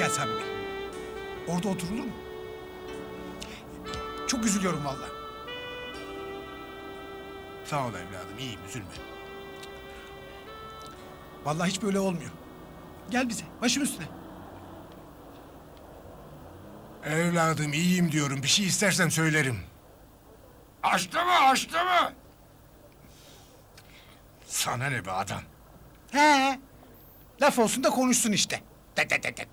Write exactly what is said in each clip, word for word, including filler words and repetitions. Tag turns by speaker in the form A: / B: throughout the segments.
A: gel Sabri Bey. Orada oturulur mu? Çok üzülüyorum vallahi.
B: Sağ ol evladım, iyiyim, üzülme.
A: Vallahi hiç böyle olmuyor. Gel bize, başım üstüne.
B: Evladım, iyiyim diyorum. Bir şey istersen söylerim.
C: Açtı mı, açtı mı?
B: Sana ne be adam?
A: He. Laf olsun da konuşsun işte. Tet tet tet tet.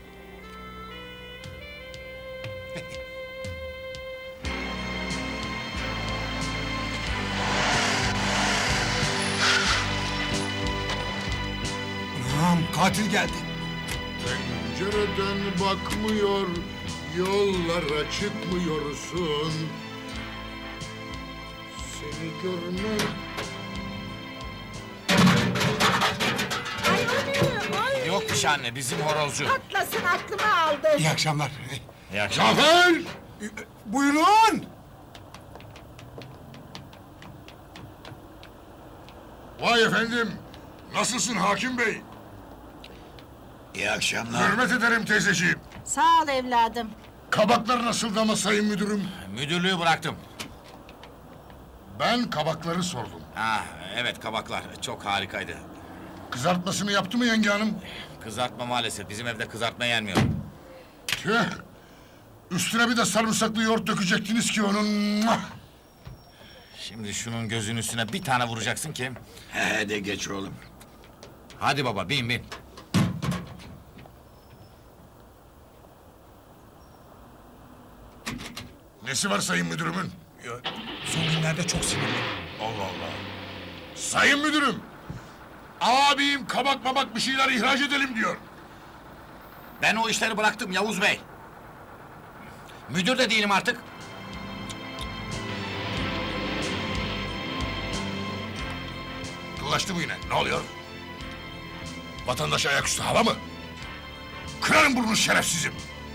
B: Anam, katil geldi.
C: Pencereden bakmıyor, yollara çıkmıyorsun. Seni görmek...
D: Ay o ne? Ay.
E: Yok bir şey anne, bizim horozcu.
D: Atlasın aklımı aldı.
B: İyi akşamlar.
E: İyi akşamlar.
C: Cafer!
B: Buyurun.
C: Vay efendim, nasılsın hakim bey?
E: İyi akşamlar.
C: Hürmet ederim teyzeciğim.
D: Sağ ol evladım.
C: Kabaklar nasıldı ama sayın müdürüm?
E: Müdürlüğü bıraktım.
C: Ben kabakları sordum.
E: Ha, evet kabaklar çok harikaydı.
C: Kızartmasını yaptı mı yenge hanım?
E: Kızartma maalesef, bizim evde kızartma yenmiyor.
C: Tüh! Üstüne bir de sarımsaklı yoğurt dökecektiniz ki onun. Muah!
E: Şimdi şunun gözünün üstüne bir tane vuracaksın ki...
F: He de geç oğlum.
E: Hadi baba, bin bin.
C: Nesi var sayın müdürümün?
A: Ya, son günlerde çok sinirli.
C: Allah Allah. Sayın müdürüm! Abim kabak mabak bir şeyler ihraç edelim diyor.
E: Ben o işleri bıraktım Yavuz Bey. Müdür de değilim artık.
C: Kıllaştı bu yine. Ne oluyor? Vatandaş ayaküstü hava mı? Kırarım burnunu şerefsizim.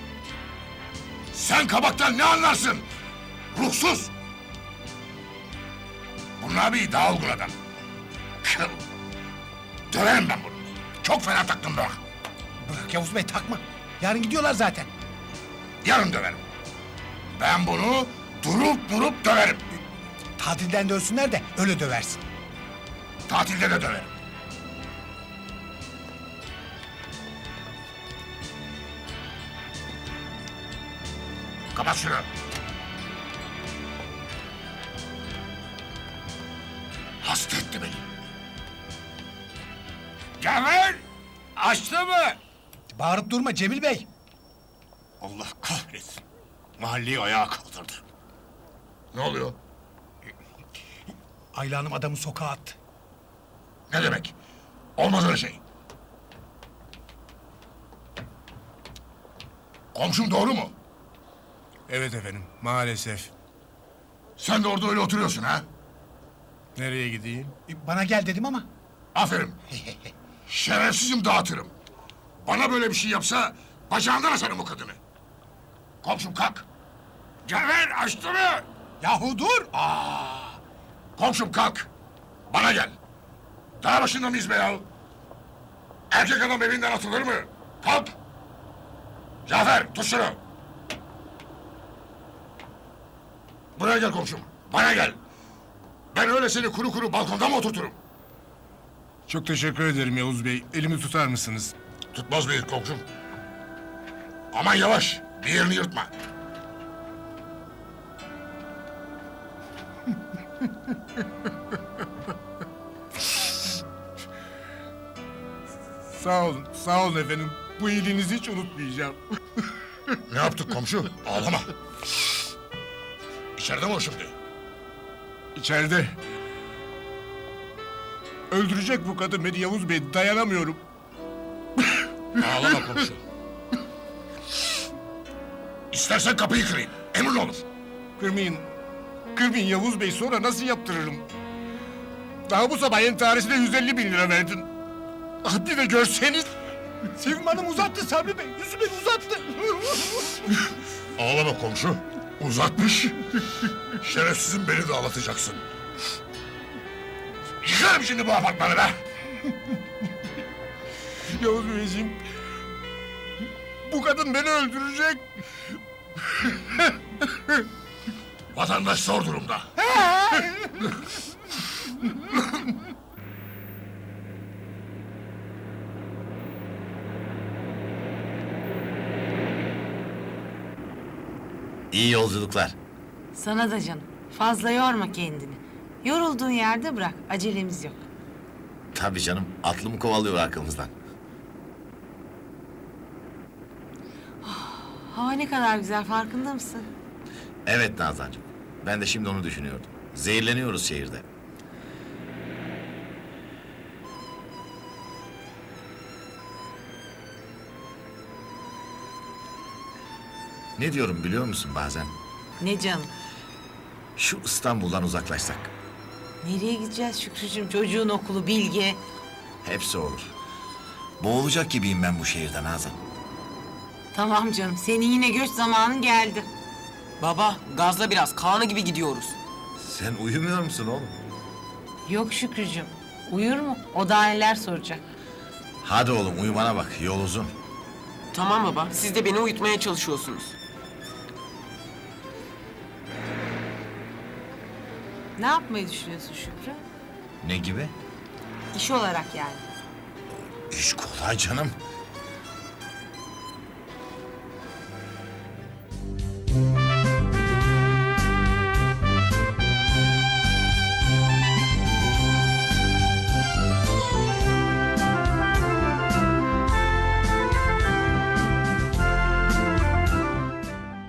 C: Sen kabaktan ne anlarsın? Ruhsuz! Bunun abi daha olgun adam. Kıl! Döverim ben bunu. Çok fena taktım bak.
A: Bırak Yavuz Bey, takma. Yarın gidiyorlar zaten.
C: Yarın döverim. Ben bunu durup durup döverim.
A: Tatilden dönsünler de öyle döversin.
C: Tatilde de döverim. Kapat şunu. Hasta etti beni. Cafer! Açtı mı?
A: Bağırıp durma Cemil Bey.
C: Allah kahretsin. Mahalleyi ayağa kaldırdı. Ne oluyor?
A: Ayla Hanım adamı sokağa attı.
C: Ne demek? Olmaz öyle şey. Komşum doğru mu?
B: Evet efendim, maalesef.
C: Sen de orada öyle oturuyorsun ha?
B: Nereye gideyim?
A: E, Bana gel dedim ama.
C: Aferin. Şerefsizim dağıtırım. Bana böyle bir şey yapsa bacağından asarım o kadını. Komşum kalk. Cafer açtı mı?
A: Yahu dur!
C: Komşum kalk. Bana gel. Dağ başında mıyız be ya? Erkek adam evinden atılır mı? Kalk. Cafer tut şunu. Buraya gel komşum. Bana gel. Ben öyle seni kuru kuru balkonda mı oturturum?
B: Çok teşekkür ederim Yavuz Bey. Elimi tutar mısınız?
C: Tutmaz mıyız komşum? Aman yavaş. Bir yerini yırtma.
B: Sağ olun, sağ olun efendim. Bu iyiliğinizi hiç unutmayacağım.
C: Ne yaptık komşu? Ağlama. İçeride mi o şimdi?
B: İçeride. Öldürecek bu kadın beni Yavuz Bey, dayanamıyorum.
C: Ağlama komşu. İstersen kapıyı kırayım. Emrin olur.
B: Kırmayın. Kırmayın Yavuz Bey, sonra nasıl yaptırırım? Daha bu sabah entaresine yüz elli bin lira verdin. Ah, bir de görseniz.
A: Sevim Hanım uzattı Sabri Bey. Yüzü beni uzattı.
C: Ağlama komşu. Uzatmış. Şerefsizim, beni de ağlatacaksın. Yıkarım şimdi bu apartmanı be.
B: Yavuz Beyciğim, Bu kadın beni öldürecek.
C: Vatandaş zor durumda.
E: İyi yolculuklar.
G: Sana da canım. Fazla yorma kendini. Yorulduğun yerde bırak. Acelemiz yok.
E: Tabii canım, atlı mı kovalıyor arkamızdan?
G: Hava ne kadar güzel, farkında mısın?
E: Evet Nazancığım, ben de şimdi onu düşünüyordum. Zehirleniyoruz şehirde. Ne diyorum biliyor musun bazen?
G: Ne canım?
E: Şu İstanbul'dan uzaklaşsak.
G: Nereye gideceğiz Şükrücüğüm? Çocuğun okulu, Bilge.
E: Hepsi olur. Boğulacak gibiyim ben bu şehirden Nazan.
G: Tamam canım, senin yine göç zamanın geldi.
H: Baba gazla biraz Kaan'ı gibi gidiyoruz.
E: Sen uyumuyor musun oğlum?
G: Yok Şükrücüğüm. Uyur mu? O daha neler soracak.
E: Hadi oğlum uyumana bak, yol uzun.
H: Tamam baba siz de beni uyutmaya çalışıyorsunuz.
G: Ne yapmayı düşünüyorsun Şükrü?
E: Ne gibi?
G: İş olarak yani.
E: İş kolay canım.